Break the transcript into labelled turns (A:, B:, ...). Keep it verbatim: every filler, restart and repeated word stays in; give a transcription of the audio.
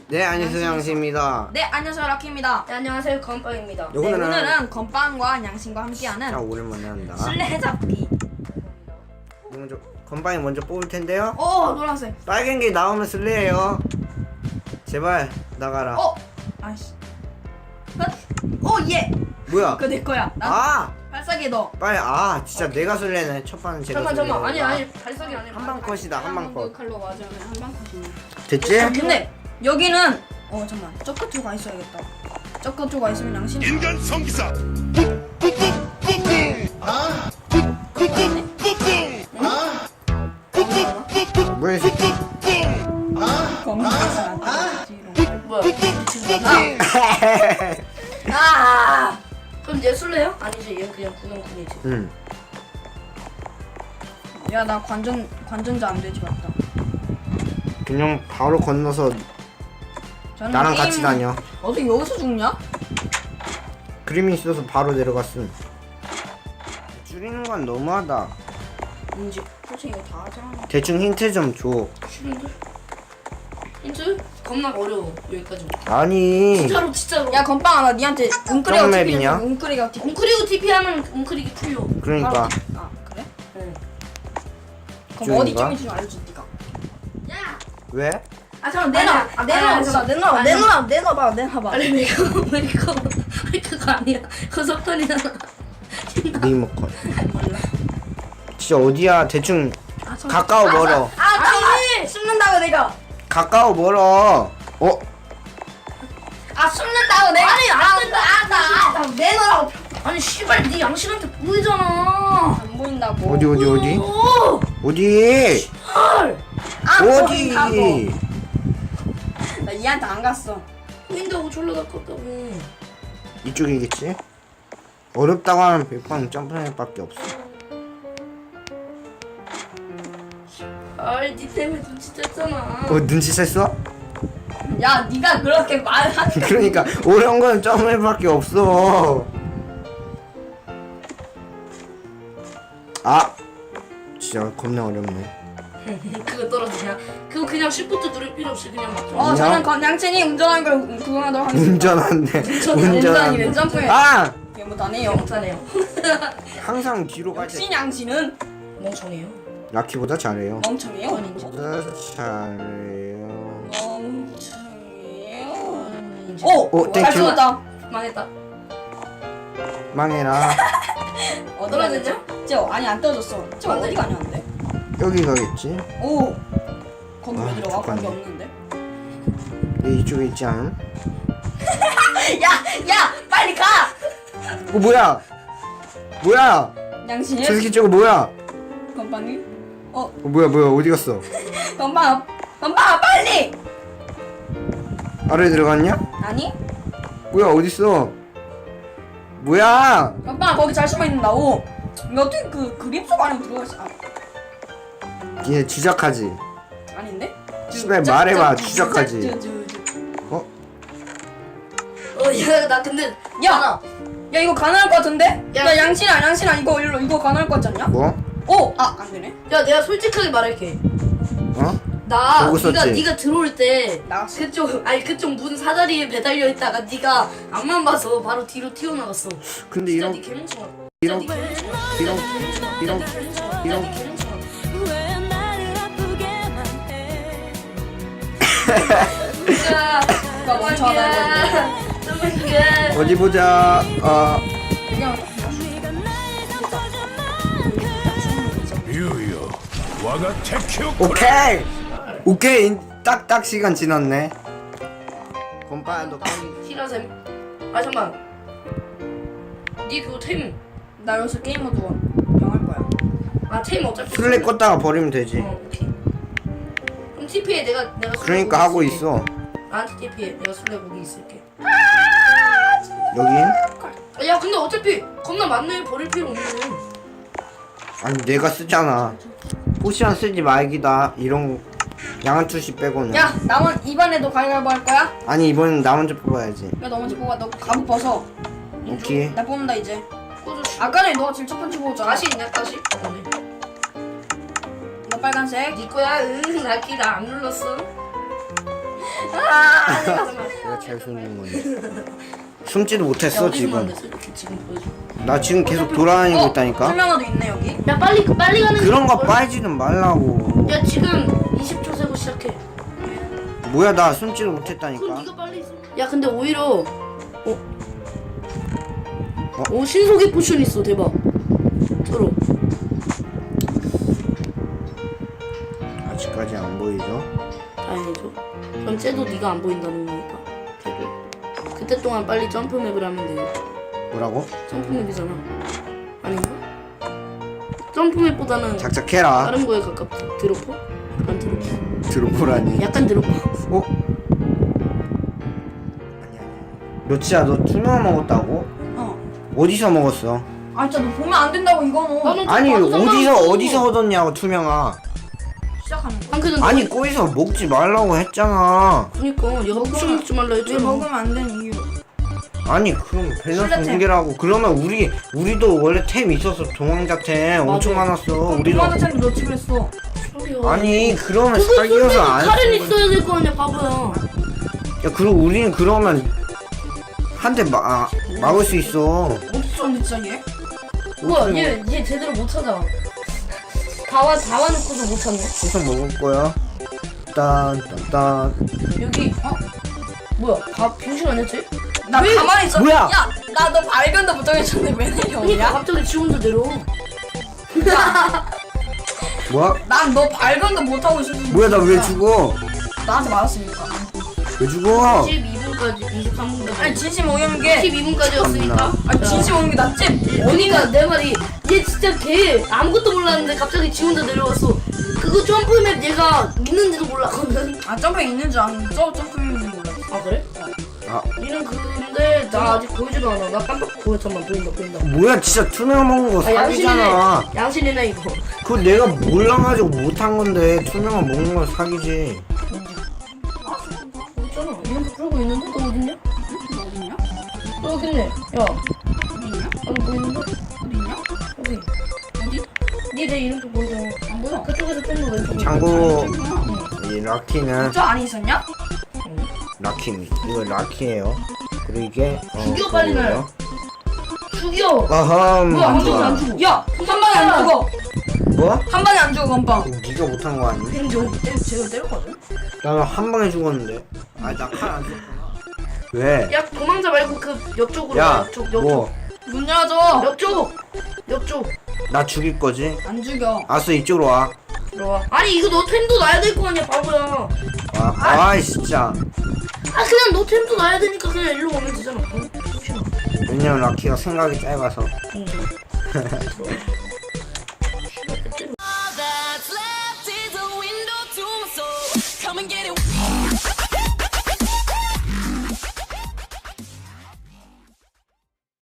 A: 네, 안녕하세요, 양씨입니다.
B: 네, 안녕하세요, 락키입니다.
C: 네, 안녕하세요, 건빵입니다.
B: 네,
A: 오늘은,
B: 오늘은 건빵과 양심과 함께하는
A: 자, 오랜만에 한다.
B: 술래잡기.
A: 먼저 건빵이 먼저 뽑을 텐데요.
B: 오, 노란색.
A: 빨간 게 나오면 술래예요. 제발 나가라.
B: 어, 아이씨. 오, 예.
A: 뭐야?
B: 그거 내 거야. 나
A: 아,
B: 발사기 너.
A: 빨리. 아, 진짜 내가 술래네. 첫 판은 제가
C: 잠깐
A: 술래.
C: 잠깐 아니 아니 발사기 아니
A: 한방 컷이다. 한방 컷.
C: 칼로 맞으면 한방 컷이네.
A: 됐지?
B: 아, 근데 여기는 어 잠깐 저커투가 있어야겠다. 저커투가 있으면 양심.
D: 인간 성기사
A: 뭐야, 이 새끼?
B: 검색해서
C: 뭐야?
B: 아,
C: 그럼 얘 술래요? 아니지 얘 그냥 구경꾼이지.
A: 응.
B: 야 나 관전 관전자 안 되지 맞다.
A: 그냥 바로 건너서
B: 저는
A: 나랑
B: 게임-
A: 같이 다녀.
B: 어떻게 여기서 죽냐?
A: 그림이 있어서 바로 내려갔음. 줄이는 건 너무하다.
C: 뭔지
B: 솔직히 이거 다 하잖아.
A: 대충 힌트 좀 줘.
C: 싫은데? 힌트? 겁나 어려워 여기까지.
A: 아니.
C: 진짜로 진짜로.
B: 야 건빵아 나 니한테 웅크리가
A: 어떤
B: 티피
A: 맵이냐?
B: 웅크리가 티피.
C: 웅크리고 티피 하면 웅크리기 풀려.
A: 그러니까.
B: 아 그래?
C: 응.
B: 그럼 어디쯤인지 좀 알려줘 니가.
C: 야.
A: 왜?
B: 아 잠깐 내놔.
C: 아니야.
B: 아 내놔.
C: 아니야,
B: 없어.
C: 잠깐.
B: 내놔.
C: 아니야.
B: 내놔. 내놔봐. 내놔봐.
C: 아니 내가 왜 이거 왜 그거 아니야? 그거 석탄이잖아.
A: 리모컨. 진짜 어디야? 대충
B: 아, 저-
A: 가까워 멀어.
B: 아 아니 숨는다고 내가.
A: 가까워 멀어. 어?
B: 아 숨는다고 내가.
C: 아니, 안 된다, 안 된다.
B: 아, 내놔라고.
C: 아니 씨발 네 양심한테 보이잖아.
B: 안 보인다고.
A: 어디 어디 어디?
C: 오.
A: 어디?
C: 헐.
B: 안
A: 어디?
B: 보인다고. 나 얘한테 안 갔어.
C: 보인다고 졸라 가깝다고.
A: 이쪽이겠지? 어렵다고 하면 백방 점프넷밖에 없어.
C: 아이 니 때문에 눈치챘잖아.
A: 어 눈치 챘어?
B: 야 네가 그렇게 말한.
A: 그러니까 어려운 건 점프넷밖에 없어. 아, 진짜 겁나 어렵네.
C: 그거 떨어지냐? 그거 그냥 시프트 누를 필요 없이 그냥 막.
B: 어 저는 건 양친이 운전하는 걸 구경하도록 하겠습니다.
A: 운전한데.
B: 운전이 왜 점프해?
A: 아,
B: 이게 못하네요.
C: 못하네요.
A: 항상 뒤로 갈 때
B: 역시 양친은
C: 멍청해요.
A: 라키보다 잘해요.
B: 멍청해요.
C: 아닌지.
A: 보다 잘해요.
B: 멍청해요.
C: 아닌지.
B: 오!
A: 오,
B: 잘
A: 땡큐.
B: 죽었다.
C: 망했다.
A: 망해라.
B: 어디
C: 떨어졌죠?
B: 가냐? 저 아니 안 떨어졌어. 저 어디 가냐는데?
A: 여기 가겠지?
B: 오! 거기
A: 아,
B: 왜 들어가? 거기
A: 잠깐만.
B: 없는데?
A: 얘 이쪽에 있지 않음?
B: 야! 야! 빨리 가!
A: 어 뭐야? 뭐야?
B: 양신이?
A: 저 새끼 저거 뭐야?
B: 건빵이? 어?
A: 어 뭐야 뭐야 어디 갔어?
B: 건빵아! 건빵아 빨리!
A: 아래 들어갔냐?
B: 아니?
A: 뭐야 어딨어? 뭐야?
B: 건빵아 거기 잘 숨어있는다고. 이거 어떻게 그 그림 속 안에 들어가 있어? 아,
A: 얘 주작하지?
B: 아닌데?
A: 씨발 말해봐 주작하지? 어?
C: 어야나 근데
B: 야! 야 이거 가능할 것 같은데? 야,
C: 야.
B: 양신아 양신아 이거 일로 이거 가능할 것 같지 않냐?
A: 뭐?
B: 오! 아 안되네.
C: 야 내가 솔직하게 말할게.
A: 어?
C: 나
A: 보고
C: 네가
A: 썼지?
C: 네가 들어올 때
B: 나갔어.
C: 그쪽 아니 그쪽 문 사다리에 매달려 있다가 네가 앞만 봐서 바로 뒤로 튀어나갔어.
A: 근데
C: 진짜
A: 이런
C: 네 개멍청아.
A: 이런
C: 진짜 네 개멍청아.
A: 이런
C: 진짜
A: 이런
C: 네 개멍청아.
A: 이런
C: 진짜 네 개멍청아. 진짜
B: 이거 멍청하다.
C: 너무해.
A: 어디 보자. 어
B: 그냥
D: 유유 와가 테큐
A: 오케이 오케이 딱딱 시간 지났네. 건빠야 너 빨리.
C: 티라셈. 아 잠깐. 네 그거 템.
B: 나 여기서 게임 모드 영할 거야.
C: 아 템 어차피.
A: 술래 껐다가 버리면 되지.
C: 어 오케이. 그럼 티피에 내가 내가. 술래
A: 그러니까
C: 고기
A: 하고
C: 있을게.
A: 있어.
C: 나한테 티피에 내가 술래 고기 있을게.
A: 여긴?
C: 아, 야 근데 어차피 겁나 많네 버릴 필요 없네.
A: 아니 내가 쓰잖아. 포션 쓰지 말기다. 이런 양한 투시 빼고는.
B: 야 남은 이번에도 가위바위보 할 거야?
A: 아니 이번엔 나 먼저 뽑아야지.
B: 야 너 먼저 뽑아. 너 갑옷 벗어.
A: 오케이.
B: 나 뽑는다 이제.
C: 꽂아줘.
B: 아까 전에 너가 제일 첫 번째 뽑았잖아.
C: 다시 있냐 다시? 아니.
B: 너 빨간색.
C: 네 거야. 응. 나키 나안 눌렀어.
B: 아, 내가
A: 내가 잘 숨는 건데. 숨지도 못했어
C: 어디 숨었는데,
A: 지금.
C: 솔직히 지금 보여줘.
A: 나 지금 계속 돌아다니고 있다니까.
B: 설명화도 있네 여기.
C: 야 빨리 빨리 가는
A: 그런 거
C: 게
A: 빠지는 말라고.
C: 야 지금 이십 초 세고 시작해.
A: 뭐야 나 숨지도
C: 그럼
A: 못했다니까.
C: 네가 빨리 있어. 야 근데 오히려 어? 어 신속의 포션 있어 대박. 들어.
A: 아직까지 안 보이죠?
C: 다행이죠. 그럼 쟤도 네가 안 보인다는 거니까. 걔를. 그때 동안 빨리 점프 맵을 하면 돼요.
A: 뭐라고?
C: 점프 맵이잖아. 아닌가? 점프 맵보다는
A: 작작해라.
C: 다른 거에 가깝지. 드로퍼? 약간 드로퍼.
A: 들어보라니.
C: 약간 드로퍼.
A: 어? 아니 아니. 너 진짜 너 투명 먹었다고?
B: 어.
A: 어디서 먹었어?
B: 아 진짜 너 보면 안 된다고 이거는.
C: 나는
A: 아니
C: 나도
A: 어디서
C: 상관없어.
A: 어디서 얻었냐고 투명아.
B: 시작하는 거.
C: 한 끗은
A: 아니 거기서 먹지 말라고 했잖아.
C: 그니까 얘가 포션 먹지 말라
B: 왜
C: 했잖아.
B: 먹으면 안 되는 이유.
A: 아니 그럼 밸런스
B: 술래템.
A: 붕괴라고. 그러면 우리 우리도 원래 템 있었어. 도망자템 엄청
C: 맞아.
A: 많았어. 우리도.
B: 도마도 템도 너 집에 있어.
C: 소리야.
A: 아니 그러면
C: 그거
A: 사귀어서
C: 쓰면
A: 안
C: 칼은
A: 쓰는
C: 있어야 될 거 아니야 바보야.
A: 야 그리고 우리는 그러면 한 대 아, 막을 수 있어.
B: 어디 있었는데 진짜 얘?
C: 뭐야 얘, 얘 제대로 못 찾아. 다와 다와 놓고도 못 찾네.
A: 수성 먹을 거야. 딴딴딴.
C: 여기 어? 뭐야 다 병신 아니었지?
B: 나
C: 왜?
B: 가만히 있어.
A: 뭐야?
B: 야, 나 너 발견도 못 하겠는데 왜
C: 그니까
B: 내려오냐?
C: 갑자기 지 혼자 내려와.
A: 뭐야?
B: 난 너 발견도 못 하고 있었어.
A: 뭐야 나 왜 죽어?
B: 나한테 맞았으니까.
A: 왜 죽어?
C: 이십이 분까지 이십삼 분까지
B: 아니 진심 오는 게.
C: 이십이 분까지였으니까.
B: 아니 진심 오는 게 낫지.
C: 그러니까 내 말이 얘 진짜 걔 아무것도 몰랐는데 갑자기 지 혼자 내려왔어. 그거 점프맵 얘가 있는지도 몰랐거든.
B: 아 점프 있는 줄 아는 저 점프 있는 줄 몰라.
C: 아 그래?
A: 아
C: 니는 근데 나 아직 보이지도 않아. 나 깜빡 보여. 잠만 보인다 보인다.
A: 뭐야 진짜 투명 먹은 거
C: 아 양심이네.
A: 사기잖아.
C: 양심이네 이거.
A: 그거 내가 몰라가지고 못한 건데 투명한 먹는 건 사기지.
C: 있잖아. 이렇게 그러고 있는데 너 어딨냐?
B: 어딨냐?
C: 너 여기 있네. 야.
B: 어딨냐?
C: 나도 보이는데?
B: 어딨냐?
C: 여기.
B: 어디?
C: 니내 이름표 보이잖아.
B: 안 보여.
C: 그쪽에서 좀 더 왼쪽으로.
A: 참고 이 라키는
B: 저 안에 있었냐?
A: 라키입니다. 이거 라키예요. 그리고 이게 어,
C: 죽여, 빨리 날.
A: 그거예요.
C: 죽여.
A: 아함.
C: 뭐야 안 죽어 안 죽어.
B: 야, 한 방에 안 죽어.
A: 뭐?
B: 한 방에 안 죽어 건빵.
A: 네가 못한 거 아니야?
B: 저 제가 때렸거든.
A: 나는 한 방에 죽었는데. 아 나 칼 안 썼구나. 왜?
C: 야 도망자 말고 그 옆쪽으로.
A: 야,
C: 옆쪽 옆쪽.
A: 뭐?
B: 문 열어줘.
C: 옆쪽. 옆쪽.
A: 나 죽일 거지?
B: 안 죽여.
A: 알았어 이쪽으로 와.
C: 들어와. 아니 이거 너 템도 놔야 될 거 아니야 바보야.
A: 와. 아이 진짜.
C: 아 그냥 너 템도 놔야 되니까 그냥 일로 오면 되잖아. 어? 혹시나.
A: 왜냐면 라키가 생각이 짧아서.
C: 응. 들어와.